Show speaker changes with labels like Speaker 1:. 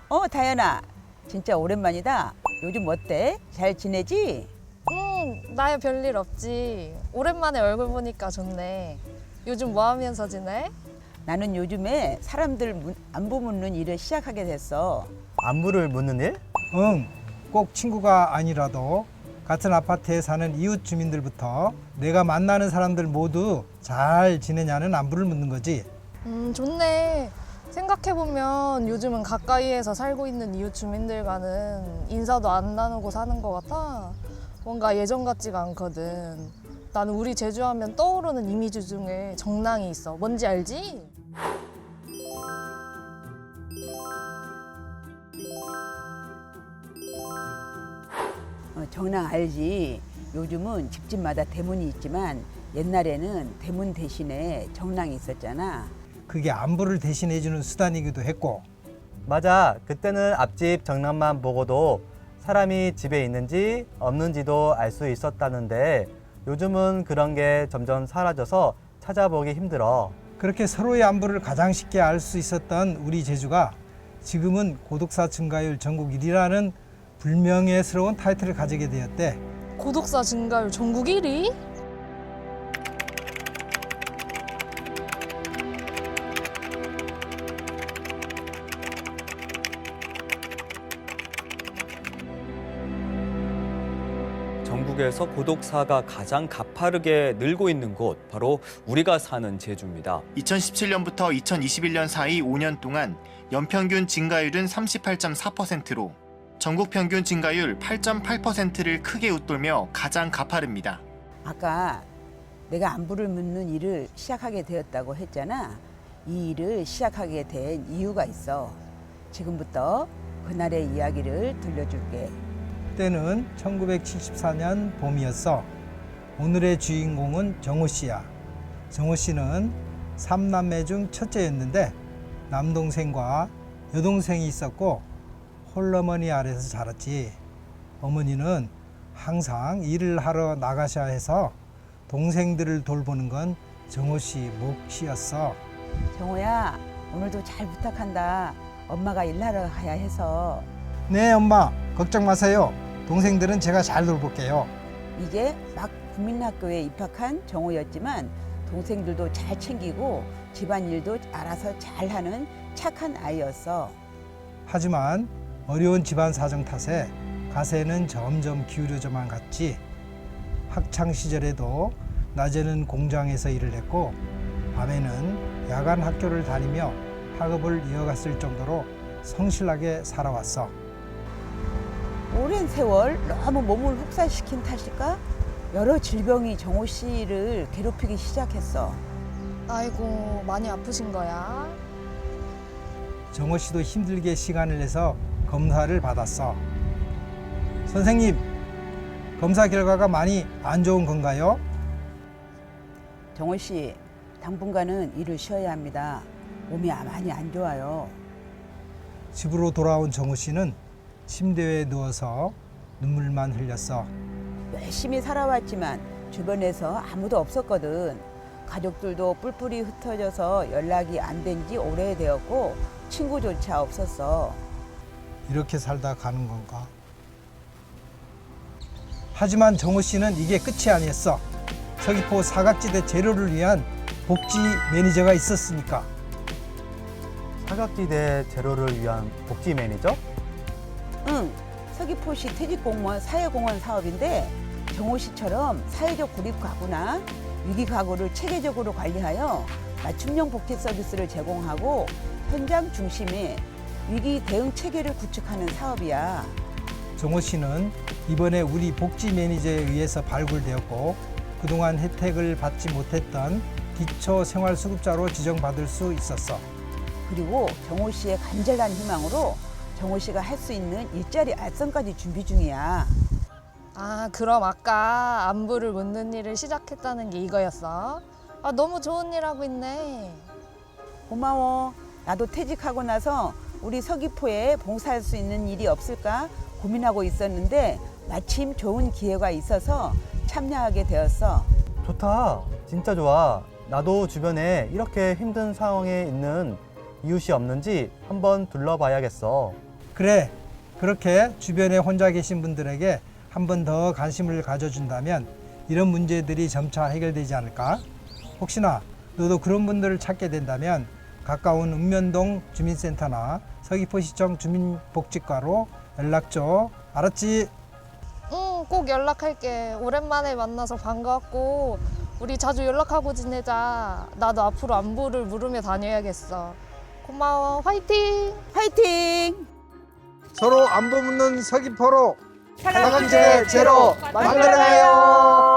Speaker 1: 다현아. 진짜 오랜만이다. 요즘 어때? 잘 지내지?
Speaker 2: 나야 별일 없지. 오랜만에 얼굴 보니까 좋네. 요즘 뭐 하면서 지내?
Speaker 1: 나는 요즘에 사람들 안부 묻는 일을 시작하게 됐어.
Speaker 3: 안부를 묻는 일?
Speaker 4: 응, 꼭 친구가 아니라도 같은 아파트에 사는 이웃 주민들부터 내가 만나는 사람들 모두 잘 지내냐는 안부를 묻는 거지.
Speaker 2: 좋네. 생각해보면 요즘은 가까이에서 살고 있는 이웃 주민들과는 인사도 안 나누고 사는 것 같아. 뭔가 예전 같지가 않거든. 나는 우리 제주 하면 떠오르는 이미지 중에 정랑이 있어. 뭔지 알지?
Speaker 1: 정랑 알지? 요즘은 집집마다 대문이 있지만 옛날에는 대문 대신에 정랑이 있었잖아.
Speaker 4: 그게 안부를 대신해주는 수단이기도 했고,
Speaker 3: 맞아. 그때는 앞집 정남만 보고도 사람이 집에 있는지 없는지도 알 수 있었다는데 요즘은 그런 게 점점 사라져서 찾아보기 힘들어.
Speaker 4: 그렇게 서로의 안부를 가장 쉽게 알 수 있었던 우리 제주가 지금은 고독사 증가율 전국 1위라는 불명예스러운 타이틀을 가지게 되었대.
Speaker 2: 고독사 증가율 전국 1위?
Speaker 5: 전국에서 고독사가 가장 가파르게 늘고 있는 곳, 바로 우리가 사는 제주입니다.
Speaker 6: 2017년부터 2021년 사이 5년 동안 연평균 증가율은 38.4%로 전국 평균 증가율 8.8%를 크게 웃돌며 가장 가파릅니다.
Speaker 1: 아까 내가 안부를 묻는 일을 시작하게 되었다고 했잖아. 이 일을 시작하게 된 이유가 있어. 지금부터 그날의 이야기를 들려줄게.
Speaker 4: 그때는 1974년 봄이었어. 오늘의 주인공은 정호 씨야. 정호 씨는 3남매 중 첫째였는데 남동생과 여동생이 있었고 홀어머니 아래서 자랐지. 어머니는 항상 일을 하러 나가셔야 해서 동생들을 돌보는 건 정호 씨 몫이었어.
Speaker 1: 정호야, 오늘도 잘 부탁한다. 엄마가 일하러 가야 해서.
Speaker 4: 네, 엄마. 걱정 마세요. 동생들은 제가 잘 돌볼게요.
Speaker 1: 이제 막 국민학교에 입학한 정호였지만 동생들도 잘 챙기고 집안일도 알아서 잘하는 착한 아이였어.
Speaker 4: 하지만 어려운 집안 사정 탓에 가세는 점점 기울어져만 갔지. 학창 시절에도 낮에는 공장에서 일을 했고 밤에는 야간 학교를 다니며 학업을 이어갔을 정도로 성실하게 살아왔어.
Speaker 1: 오랜 세월 너무 몸을 혹사시킨 탓일까? 여러 질병이 정호 씨를 괴롭히기 시작했어.
Speaker 2: 아이고, 많이 아프신 거야?
Speaker 4: 정호 씨도 힘들게 시간을 내서 검사를 받았어. 선생님, 검사 결과가 많이 안 좋은 건가요?
Speaker 1: 정호 씨, 당분간은 일을 쉬어야 합니다. 몸이 많이 안 좋아요.
Speaker 4: 집으로 돌아온 정호 씨는 침대에 누워서 눈물만 흘렸어.
Speaker 1: 열심히 살아왔지만 주변에서 아무도 없었거든. 가족들도 뿔뿔이 흩어져서 연락이 안 된 지 오래되었고 친구조차 없었어.
Speaker 4: 이렇게 살다 가는 건가? 하지만 정호 씨는 이게 끝이 아니었어. 서귀포 사각지대 제로를 위한 복지 매니저가 있었으니까.
Speaker 3: 사각지대 제로를 위한 복지 매니저?
Speaker 1: 응, 서귀포시 퇴직공무원 사회공헌 사업인데 정호 씨처럼 사회적 고립 가구나 위기 가구를 체계적으로 관리하여 맞춤형 복지 서비스를 제공하고 현장 중심의 위기 대응 체계를 구축하는 사업이야.
Speaker 4: 정호 씨는 이번에 우리 복지 매니저에 의해서 발굴되었고 그동안 혜택을 받지 못했던 기초생활수급자로 지정받을 수 있었어.
Speaker 1: 그리고 정호 씨의 간절한 희망으로 정호 씨가 할 수 있는 일자리 알선까지 준비 중이야.
Speaker 2: 아, 그럼 아까 안부를 묻는 일을 시작했다는 게 이거였어? 아, 너무 좋은 일 하고 있네.
Speaker 1: 고마워. 나도 퇴직하고 나서 우리 서귀포에 봉사할 수 있는 일이 없을까 고민하고 있었는데 마침 좋은 기회가 있어서 참여하게 되었어.
Speaker 3: 좋다. 진짜 좋아. 나도 주변에 이렇게 힘든 상황에 있는 이웃이 없는지 한번 둘러봐야겠어.
Speaker 4: 그래, 그렇게 주변에 혼자 계신 분들에게 한 번 더 관심을 가져준다면 이런 문제들이 점차 해결되지 않을까? 혹시나 너도 그런 분들을 찾게 된다면 가까운 읍면동 주민센터나 서귀포시청 주민복지과로 연락 줘. 알았지?
Speaker 2: 응, 꼭 연락할게. 오랜만에 만나서 반가웠고 우리 자주 연락하고 지내자. 나도 앞으로 안부를 물으며 다녀야겠어. 고마워. 화이팅!
Speaker 1: 화이팅!
Speaker 4: 서로 안부 묻는 서귀포로
Speaker 1: 사랑제 제로 만들어가요.